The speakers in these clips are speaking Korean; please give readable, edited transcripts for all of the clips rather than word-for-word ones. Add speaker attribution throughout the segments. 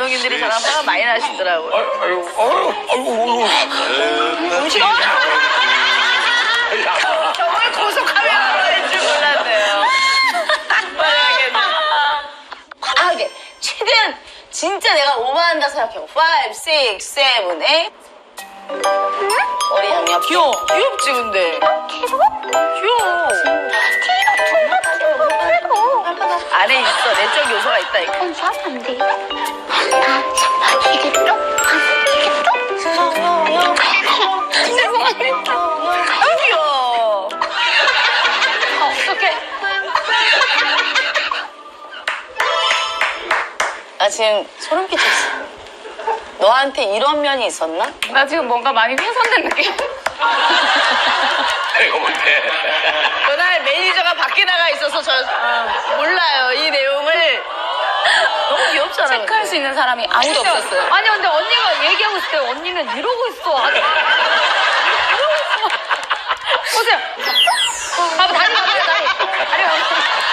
Speaker 1: 감독님들이 저랑 화가 많이 나시더라고요.
Speaker 2: 아이고.
Speaker 1: 음식 정말 고속하면 줄 몰랐네요. 아, 이게 최대한 진짜 내가 오버한다 생각해요. 5, 6, 7, 8. 머리 양옆. 귀여워. 귀엽지, 근데. 귀여워. 안에 있어. 내적 요소가 있다, 이거.
Speaker 3: 안 돼. 이게 또?
Speaker 1: 아유, 귀여워.
Speaker 3: 어떡해.
Speaker 1: 나 지금 소름 끼쳤어. 너한테 이런 면이 있었나?
Speaker 3: 나 지금 뭔가 많이 훼손된 느낌.
Speaker 2: 이거 못해.
Speaker 1: 그날 매니저가 밖에 나가 있어서 저 몰라요. 이 내용을. 너무 귀엽잖아.
Speaker 3: 체크할
Speaker 1: 근데.
Speaker 3: 수 있는 사람이 아무도
Speaker 1: 진짜.
Speaker 3: 없었어요. 아니, 근데 언니가 얘기하고 있을 때 언니는 이러고 있어. 아주. 이러고 있어. 보세요. 봐봐, 다리 봐봐, 다리 봐봐.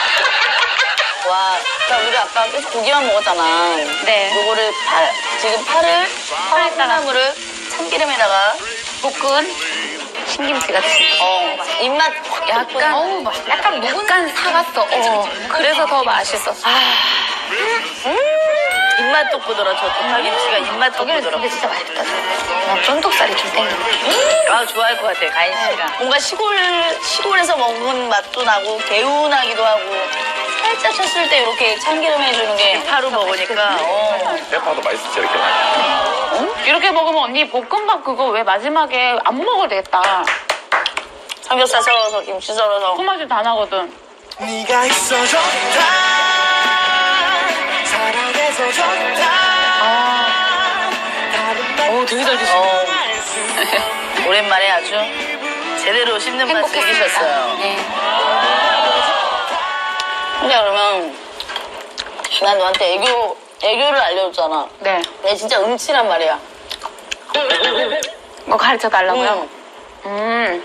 Speaker 1: 와, 나 우리 아까 계속 고기만 먹었잖아.
Speaker 3: 네.
Speaker 1: 요거를 지금 파를 콩나물을 참기름에다가
Speaker 3: 볶은 신김치 같이.
Speaker 1: 입맛
Speaker 3: 약간,
Speaker 1: 어우, 맛있다.
Speaker 3: 약간 사갔어. 그래서 더 맛있었어.
Speaker 1: 입맛 돋구더라. 저 파김치가 입맛
Speaker 3: 저기는
Speaker 1: 돋구더라.
Speaker 3: 근데 진짜 맛있다. 난 쫀득살이 좀 땡겨.
Speaker 1: 아, 좋아할 것 같아, 가인 씨가. 뭔가 시골에서 먹은 맛도 나고 개운하기도 하고 살짝 쳤을 때 이렇게 참기름 해주는 게 파로 먹으니까
Speaker 2: 대파도 맛있어, 저렇게 많이.
Speaker 3: 이렇게 먹으면 언니 볶음밥 그거 왜 마지막에 안 먹어도 되겠다.
Speaker 1: 삼겹살 썰어서 김치 썰어서
Speaker 3: 손맛이 다 나거든.
Speaker 4: 네가 있어 좋다 사랑해서 좋다
Speaker 3: 되게 잘 드시네.
Speaker 1: 오랜만에 아주 제대로 씹는 맛 즐기셨어요.
Speaker 3: 네.
Speaker 1: 근데 그러면 난 너한테 애교를 알려줬잖아.
Speaker 3: 네.
Speaker 1: 내 진짜 음치란 말이야.
Speaker 3: 뭐 가르쳐 달라고요?
Speaker 1: 응.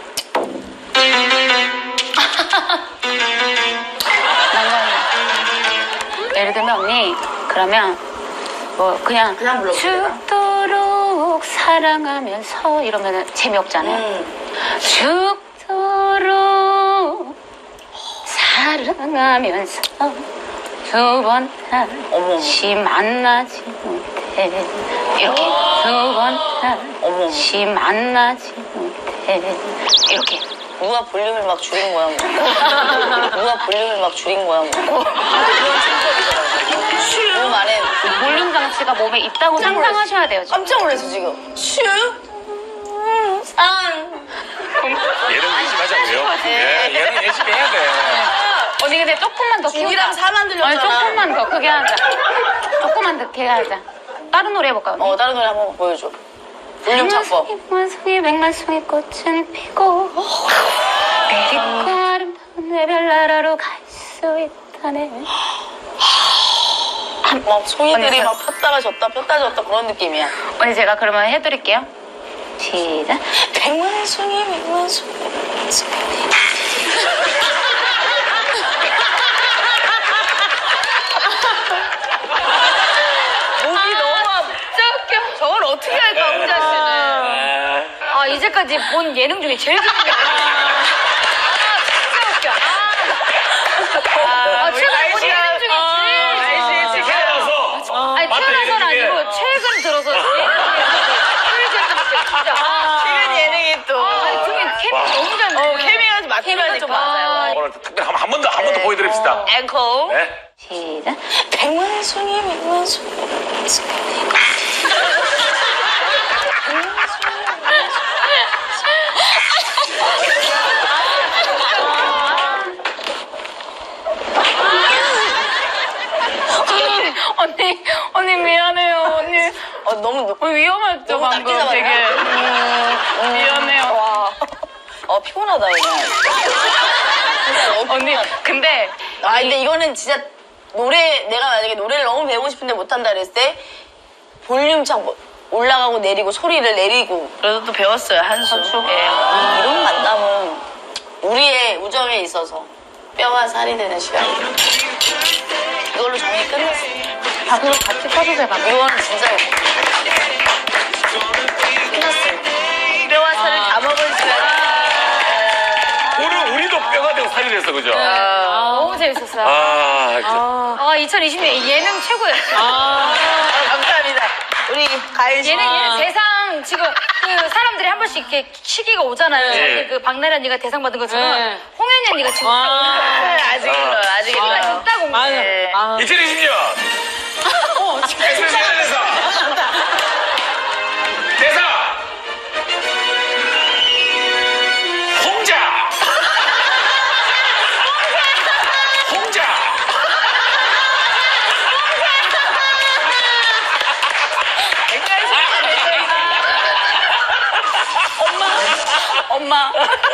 Speaker 3: 예를 들면 언니 그러면 뭐 그냥
Speaker 1: 불러볼까?
Speaker 3: 죽도록 사랑하면서 이러면 재미없잖아요. 죽도록 사랑하면서 두 번 다시 만나지 못해 이렇게 두 번 다시 만나지 못해 이렇게.
Speaker 1: 누가 볼륨을 막 줄인 거야, 뭐. 누가 볼륨을 막 줄인 거야, 뭐. 그런 생각이더라고. 몸 안에
Speaker 3: 볼륨 장치가 몸에 있다고 상상하셔야 돼요. 지금.
Speaker 1: 깜짝 놀랐어, 지금. 산.
Speaker 2: 얘는 열심히 하자고요. 얘는 열심히 해야 돼.
Speaker 3: 언니 근데 조금만 더 키우자.
Speaker 1: 죽이랑 사만 들렸잖아.
Speaker 3: 아니 조금만 더 크게 하자. 조금만 더 크게 하자. 다른 노래 해볼까요? 언니?
Speaker 1: 다른 노래 한번 보여줘. 볼륨 잡고.
Speaker 3: 백만송이 백만송이 꽃은 피고 내딛고 아름다운 내 별나라로 갈 수 있다네.
Speaker 1: 막 송이들이
Speaker 3: 언니,
Speaker 1: 막 폈다가 졌다 그런 느낌이야.
Speaker 3: 언니 제가 그러면 해드릴게요. 시작.
Speaker 1: 백만송이 목이 너무 아파.
Speaker 3: 진짜 웃겨.
Speaker 1: 저걸 어떻게 할까, 홍자 씨는.
Speaker 3: 아 이제까지 본 예능 중에 제일 웃겨. 진짜 웃겨. 최근에 본 예능 중에 제일 웃겨. 아니 태어나서는 아니고 최근 들어서 제일 진짜.
Speaker 1: 최근 예능이 또.
Speaker 3: 아니 중에 케미 너무 잘 맞아요.
Speaker 1: 케미가 좀
Speaker 3: 케미가 좀
Speaker 1: 맞아요.
Speaker 3: 맞아요.
Speaker 2: 오늘 특별히 한 번 더 보여드립시다.
Speaker 1: 앵콜.
Speaker 2: 네?
Speaker 3: 시작.
Speaker 1: 백만송이
Speaker 3: 언니 미안해요. 언니
Speaker 1: 너무
Speaker 3: 위험했죠
Speaker 1: 너무
Speaker 3: 방금
Speaker 1: 낮게
Speaker 3: 되게. 미안해요.
Speaker 1: 와. 피곤하다 그냥. 진짜 너무
Speaker 3: 언니
Speaker 1: 피곤하다.
Speaker 3: 근데
Speaker 1: 근데 이거는 진짜 내가 만약에 노래를 너무 배우고 싶은데 못한다 그랬을 때 볼륨 참 올라가고 내리고 소리를 내리고 그래도 또 배웠어요 한 수. 이런 만남은 우리의 우정에 있어서 뼈와 살이 되는 시간이에요. 이걸로 정리 끝났어요.
Speaker 3: 밥으로 같이 퍼주세요. 밥.
Speaker 1: 이거는 진짜 끝났어요. 뼈와 살을 다 먹으시면
Speaker 2: 오늘 우리도 뼈가 되고 살이 됐어, 그죠?
Speaker 3: 너무 재밌었어요.
Speaker 2: 진짜.
Speaker 3: 2020년 예능 최고였어요.
Speaker 1: 감사합니다. 우리 가인 씨.
Speaker 3: 예능 대상 지금 그 사람들이 한 번씩 이렇게 시기가 오잖아요.
Speaker 2: 네.
Speaker 3: 그 박나래 언니가 대상 받은 것처럼
Speaker 5: 네.
Speaker 3: 홍현이 언니가 지금
Speaker 1: 아직 일러요. 아직
Speaker 3: 시기가
Speaker 1: 일러요.
Speaker 3: 좀 따고
Speaker 5: 맞아.
Speaker 1: 네.
Speaker 2: 2020년. SBS 대사. 홍자. 홍자.
Speaker 1: 엄마.